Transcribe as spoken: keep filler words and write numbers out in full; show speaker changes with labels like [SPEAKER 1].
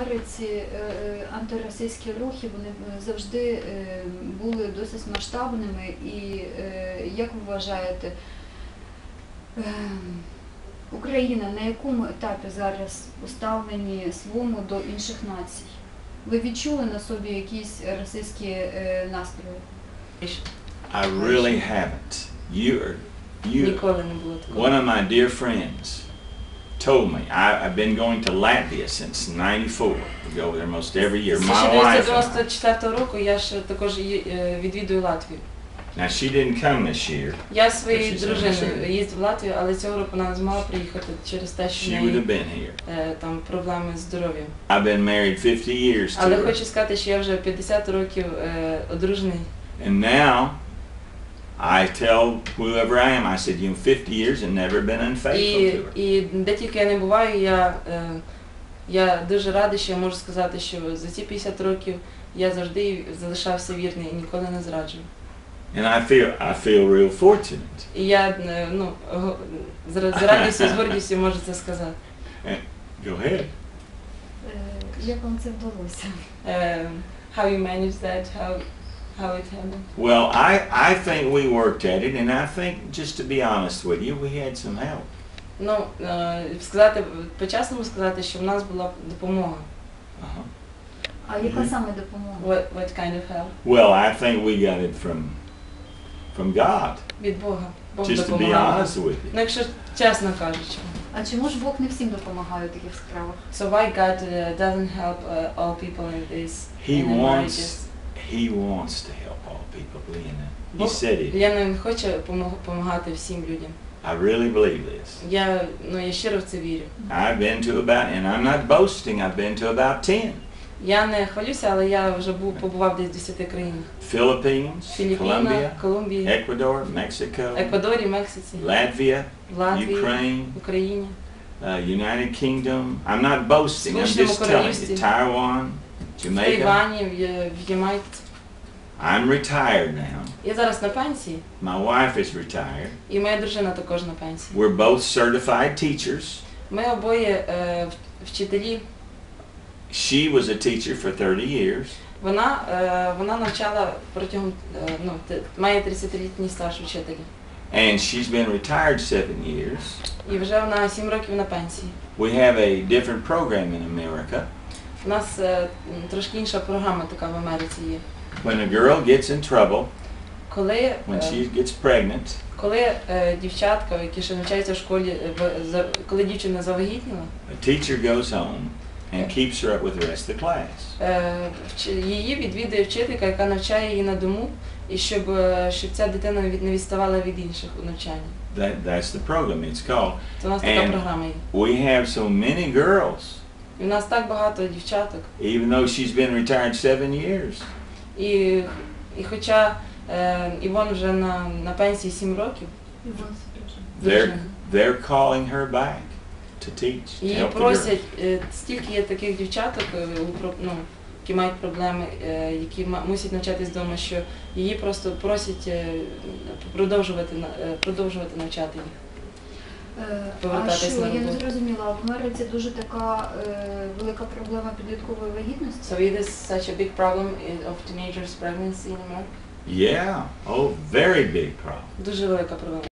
[SPEAKER 1] Америці антиросійські рухи, вони завжди були досить масштабними, і як ви вважаєте, Україна на якому етапі зараз у ставленні своєму до інших націй? Ви відчули на собі якісь російські настрої?
[SPEAKER 2] I really haven't. You are, you, one of my dear friends told me, I, I've been going to Latvia since ninety-four. We go there most every year. My wife.
[SPEAKER 3] З дев'яносто четвертого року я ж також відвідую Латвію.
[SPEAKER 2] Now she didn't come this year.
[SPEAKER 3] Я своєю дружиною їздив в Латвію, але цього року вона не змогла приїхати через те, що в неї там проблеми з здоров'ям.
[SPEAKER 2] I've been married fifty years to her.
[SPEAKER 3] Але хочу сказати, що я вже п'ятдесят років одружений.
[SPEAKER 2] And now I tell whoever I am, I said, you know, fifty years and never been unfaithful to her.
[SPEAKER 3] І де тільки я не буваю, я я дуже радий, що я можу сказати, що за ці п'ятдесят років я завжди залишався вірний і ніколи не зраджував.
[SPEAKER 2] And I feel I feel real fortunate.
[SPEAKER 3] І я, ну, з радістю, з гордістю можу це сказати.
[SPEAKER 2] Go ahead.
[SPEAKER 1] Як вам це вдалося?
[SPEAKER 3] How you managed that? How how it happened?
[SPEAKER 2] Well, I I think we worked at it, and I think, just to be honest with you, we had some help.
[SPEAKER 3] Ну, сказати, по-чесному сказати, що в нас була допомога.
[SPEAKER 2] Uh-huh.
[SPEAKER 1] А яка саме допомога?
[SPEAKER 3] What what kind of help?
[SPEAKER 2] Well, I think we got it from from God.
[SPEAKER 3] Від Бога. Бог
[SPEAKER 2] Just to be honest with you.
[SPEAKER 3] Ну, якщо чесно кажучи.
[SPEAKER 1] А чому ж Бог не всім допомагає у таких справах?
[SPEAKER 3] So why God uh, doesn't help uh, all people in this?
[SPEAKER 2] He
[SPEAKER 3] in
[SPEAKER 2] wants He wants to help all people, Leona. He said it.
[SPEAKER 3] Він хоче допомагати всім людям.
[SPEAKER 2] I really believe this.
[SPEAKER 3] Я, ну, я щиро в це вірю.
[SPEAKER 2] I've been to about, and I'm not boasting, I've been to about ten.
[SPEAKER 3] Я не хвалюся, але я вже був побував десь в десяти країнах.
[SPEAKER 2] Philippines,
[SPEAKER 3] Філіппіна, Колумбія,
[SPEAKER 2] Ecuador, Mexico,
[SPEAKER 3] Еквадорі, Мексиці,
[SPEAKER 2] Latvia,
[SPEAKER 3] Латвії,
[SPEAKER 2] Ukraine,
[SPEAKER 3] Україні,
[SPEAKER 2] uh, United Kingdom. I'm not boasting, I'm just telling you. Taiwan, Jamaica.
[SPEAKER 3] Тайвані, в Ямайці.
[SPEAKER 2] I'm retired now.
[SPEAKER 3] Я зараз на пенсії.
[SPEAKER 2] My wife is retired.
[SPEAKER 3] І моя дружина також на пенсії.
[SPEAKER 2] We're both certified teachers.
[SPEAKER 3] Ми обоє е, вчителі.
[SPEAKER 2] She was a teacher for thirty years.
[SPEAKER 3] Вона, е, вона навчала протягом, е, ну, має тридцятилітній стаж вчителя.
[SPEAKER 2] And she's been retired seven years.
[SPEAKER 3] І вже вона сім років на пенсії.
[SPEAKER 2] We have a different program in America.
[SPEAKER 3] У нас е, трошки інша програма така в Америці є.
[SPEAKER 2] When a girl gets in trouble,
[SPEAKER 3] коли,
[SPEAKER 2] when
[SPEAKER 3] е,
[SPEAKER 2] she gets pregnant,
[SPEAKER 3] коли е, дівчатка, які ще навчаються в школі, е, за, коли дівчина завагітніла,
[SPEAKER 2] a teacher goes home and keeps her up with the rest of the class.
[SPEAKER 3] Е, її відвідує вчителька, яка навчає її на дому, і щоб, щоб ця дитина не відставала від інших у навчанні.
[SPEAKER 2] That, that's the program, it's called.
[SPEAKER 3] Це у нас така програма є.
[SPEAKER 2] We have so many girls.
[SPEAKER 3] І у нас так багато дівчаток.
[SPEAKER 2] Even though she's been retired seven years.
[SPEAKER 3] І, і хоча е, Івон вже на, на пенсії сім років,
[SPEAKER 2] they're, they're calling her back to teach, to
[SPEAKER 3] її
[SPEAKER 2] help the
[SPEAKER 3] просять,
[SPEAKER 2] girls.
[SPEAKER 3] е, стільки є таких дівчаток, е, ну, які мають проблеми, е, які мусять навчатись вдома, що її просто просять е, продовжувати, е, продовжувати навчати їх.
[SPEAKER 1] А що, я не зрозуміла, в Америці дуже така е, велика проблема підліткової вагітності?
[SPEAKER 3] So it is such a big problem of teenagers pregnancy in America?
[SPEAKER 2] Yeah, oh, very big problem.
[SPEAKER 3] Дуже велика проблема.